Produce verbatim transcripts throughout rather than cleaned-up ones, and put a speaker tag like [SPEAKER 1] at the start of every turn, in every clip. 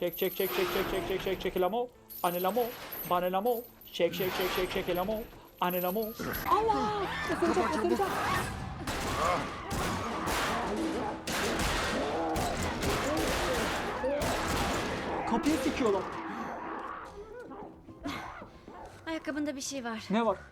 [SPEAKER 1] Çek çek çek çek çek çek çek çek çek lamo. Anelamo. Banelamo. Çek çek çek çek çek lamo. Anelamo. Allah! Isıracak ısıracak. Kapıyı sikiyorlar.
[SPEAKER 2] Ayakkabında bir şey var.
[SPEAKER 1] Ne var?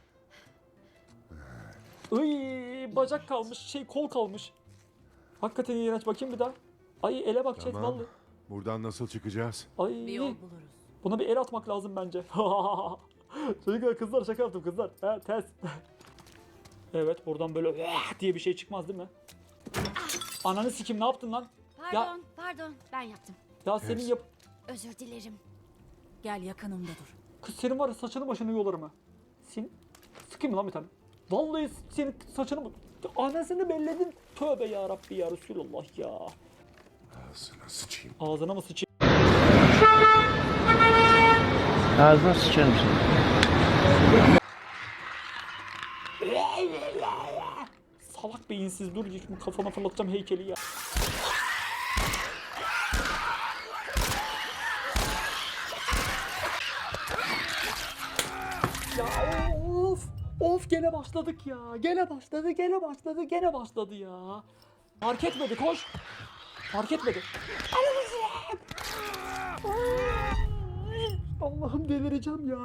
[SPEAKER 1] Iy, bacak kalmış, şey kol kalmış. Hakikaten iğrenç, bakayım bir daha. Ay ele bak chat
[SPEAKER 3] Tamam.
[SPEAKER 1] vallahi.
[SPEAKER 3] Buradan nasıl çıkacağız?
[SPEAKER 1] Ay.
[SPEAKER 2] Bir yol buluruz.
[SPEAKER 1] Buna bir el atmak lazım bence. Çocuklar kızlar şaka yaptım kızlar. Ha ters. Evet buradan böyle "Vah!" diye bir şey çıkmaz değil mi? Ananı sikim ne yaptın lan?
[SPEAKER 2] Pardon,
[SPEAKER 1] Ya-
[SPEAKER 2] pardon. Ben yaptım.
[SPEAKER 1] Ya senin
[SPEAKER 3] Ters.
[SPEAKER 1] yap...
[SPEAKER 2] Özür dilerim.
[SPEAKER 4] Gel yakınımda dur.
[SPEAKER 1] Kız senin var ya saçını başını yolarım ha. Sen... Sıkayım mı lan bir tane? Vallahi senin saçını... Anasını belledin. Tövbe ya Rabbi ya Resulullah ya.
[SPEAKER 3] Ağzına sıçayım.
[SPEAKER 1] Ağzına mı sıçayım?
[SPEAKER 5] Ağzına sıçarım seni.
[SPEAKER 1] Salak beyinsiz dur şimdi kafana fırlatacağım heykeli ya. Ya of! Of gene başladık ya. Gene başladı, gene başladı, gene başladı ya. Fark etmedi koş. Fark etmedi. Allah'ım delireceğim ya.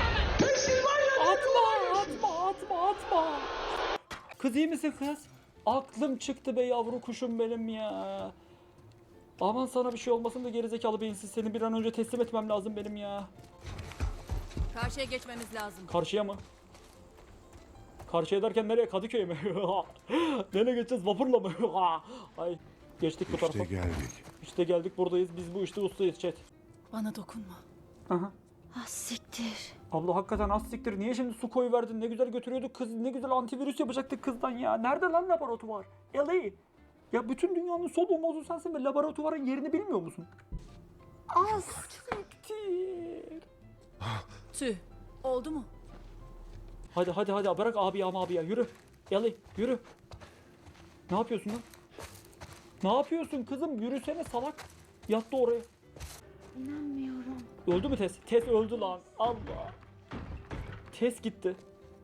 [SPEAKER 1] Atma, atma, atma, atma. Kız iyi misin kız? Aklım çıktı be yavru kuşum benim ya. Aman sana bir şey olmasın da gerizekalı beyinsiz, seni bir an önce teslim etmem lazım benim ya.
[SPEAKER 4] Karşıya geçmemiz lazım.
[SPEAKER 1] Karşıya mı? Karşıya derken nereye? Kadıköy'e mi? Nereye geçeceğiz? Vapurla mı? Ay geçtik bu tarafa.
[SPEAKER 3] İşte geldik.
[SPEAKER 1] İşte geldik buradayız. Biz bu işte ustayız chat.
[SPEAKER 4] Bana dokunma.
[SPEAKER 1] Aha.
[SPEAKER 2] Ah siktir.
[SPEAKER 1] Abla hakikaten az siktir. Niye şimdi su koyu verdin? Ne güzel götürüyorduk kız. Ne güzel antivirüs yapacaktık kızdan ya. Nerede lan laboratuvar? L A. Ya bütün dünyanın solu mozu sensin ve laboratuvarın yerini bilmiyor musun? Az siktir.
[SPEAKER 4] Tüh. Oldu mu?
[SPEAKER 1] Hadi hadi hadi bırak abi ya abi ya yürü. L A yürü. Ne yapıyorsun lan? Ne yapıyorsun kızım? Yürüsene salak. Yattı oraya.
[SPEAKER 2] İnanmıyorum.
[SPEAKER 1] Öldü mü Tess? Tess öldü lan. Allah. Tess gitti.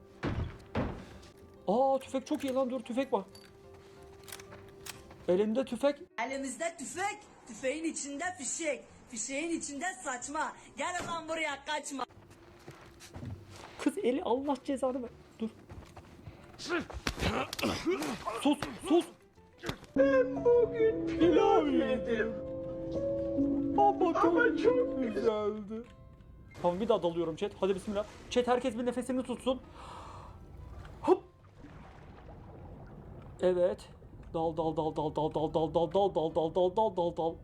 [SPEAKER 1] Aa tüfek çok iyi lan, dur tüfek var. Elimde tüfek.
[SPEAKER 6] Elimizde tüfek, tüfeğin içinde fişek, fişeğin içinde saçma. Gel lan buraya kaçma.
[SPEAKER 1] Kız eli Allah cezanı ver. Dur. Sus sus. Ben bugün pilav yedim. Ama çok, çok güzeldi. Tamam bir daha dalıyorum chat. Hadi bismillah. Chat herkes bir nefesini tutsun. Hop. Evet. Dal dal dal dal dal dal dal dal dal dal dal dal dal dal dal.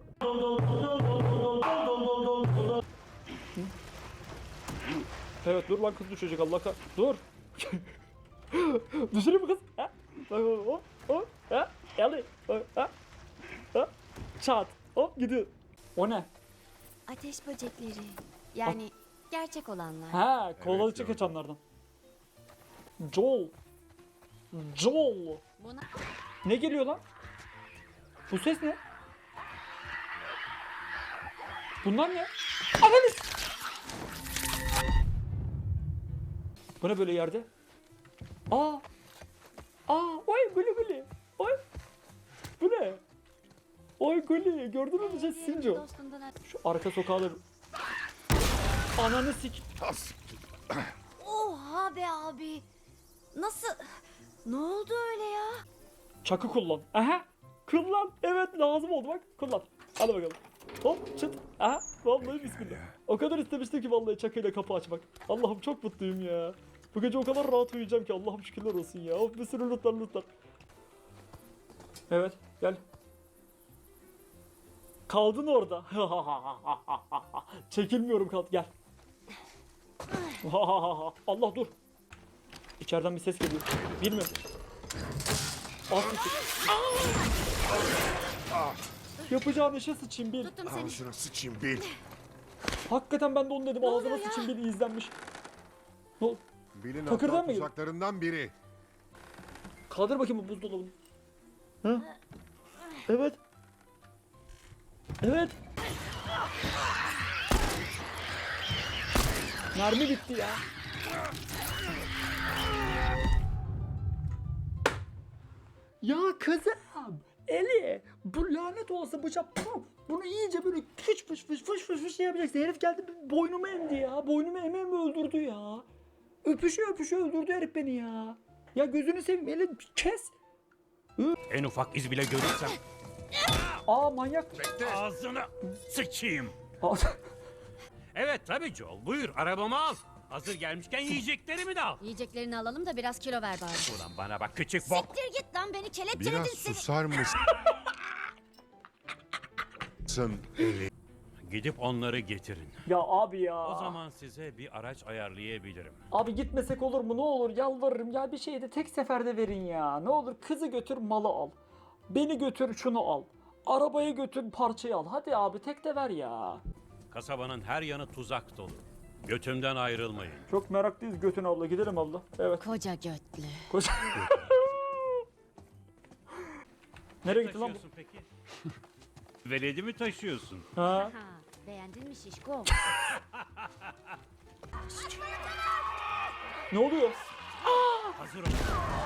[SPEAKER 1] Evet dur lan kız düşecek Allah kah. Dur. Düşürür mü kız? Ha? Hop hop ha? Geldi. Ha? Ha? Çat. Hop gidiyor. O ne?
[SPEAKER 2] Ateş böcekleri. Yani gerçek olanlar.
[SPEAKER 1] Ha, kolalı
[SPEAKER 3] Evet,
[SPEAKER 1] çık
[SPEAKER 3] gördüm.
[SPEAKER 1] açanlardan. Joel. Joel.
[SPEAKER 2] Buna
[SPEAKER 1] Ne geliyor lan? Bu ses ne? Bunlar ne? Ananı s- Bu ne böyle yerde? Aa. Aa, oy gülü gülü. Oy. Bu ne? Oy gülü. Gördün mü şey Sinco?
[SPEAKER 2] dostundan at-
[SPEAKER 1] Şu arka sokağda ananı sik.
[SPEAKER 2] Oha be abi. Nasıl? Ne oldu öyle ya?
[SPEAKER 1] Çakı kullan. Aha. Kullan. Evet lazım oldu bak. Kullan. Hadi bakalım. Hop çıt. Aha. Vallahi bismillah. O kadar istemiştim ki vallahi çakıyla kapı açmak. Allah'ım çok mutluyum ya. Bu gece o kadar rahat uyuyacağım ki Allah'ım şükürler olsun ya. Of bir sürü lootlar lootlar. Evet gel. Kaldın orada. Çekilmiyorum kaldı. Gel. Allah dur. İçeriden bir ses geliyor. Bilmiyorum. Yapacağın işe sıçayım bil.
[SPEAKER 2] Tuttum seni.
[SPEAKER 3] Ağzına sıçayım bil.
[SPEAKER 1] Hakikaten ben de onu dedim. Ağzına sıçayım bil izlenmiş. Ne oldu?
[SPEAKER 3] Bilin
[SPEAKER 1] Takırdan
[SPEAKER 3] aptal
[SPEAKER 1] mı yedin?
[SPEAKER 3] tuzaklarından biri.
[SPEAKER 1] Kaldır bakayım bu buzdolabını. Ha? Evet. Evet. Mermi bitti ya. Ya kızım. Eli. Bu lanet olası bıçak. Puh, bunu iyice böyle fış fış fış fış fış fış yapacaksın. Herif geldi boynumu emdi ya. Boynumu eme mi öldürdü ya. Öpüşü öpüşü öldürdü herif beni ya. Ya gözünü seveyim Eli kes.
[SPEAKER 7] En ufak iz bile görürsem
[SPEAKER 1] Aa manyak.
[SPEAKER 7] ağzına sıçayım.
[SPEAKER 1] Aa,
[SPEAKER 7] Evet tabii Joel. Buyur arabamı al. Hazır gelmişken yiyeceklerimi de al.
[SPEAKER 2] Yiyeceklerini alalım da biraz kilo ver bari.
[SPEAKER 7] Ulan bana bak küçük bok.
[SPEAKER 2] Siktir git lan beni kelepçeledin
[SPEAKER 3] Biraz
[SPEAKER 2] seni.
[SPEAKER 3] susar mısın? Eli.
[SPEAKER 7] Gidip onları getirin.
[SPEAKER 1] ya abi ya.
[SPEAKER 7] O zaman size bir araç ayarlayabilirim.
[SPEAKER 1] Abi gitmesek olur mu? Ne olur yalvarırım ya bir şeyi de tek seferde verin ya. Ne olur kızı götür malı al. Beni götür şunu al. Arabayı götür parçayı al. Hadi abi tek de ver ya.
[SPEAKER 7] Kasabanın her yanı tuzak dolu. Götümden ayrılmayın.
[SPEAKER 1] Çok meraklıyız götün abla. Gidelim abla. Evet.
[SPEAKER 2] Koca götlü.
[SPEAKER 1] Koş. Nereye gitti lan bu?
[SPEAKER 7] Taşıyorsun peki? Veledi mi taşıyorsun?
[SPEAKER 1] Ha?
[SPEAKER 2] Ha, beğendin mi şişko?
[SPEAKER 1] Ne oluyor?
[SPEAKER 7] Hazır ol.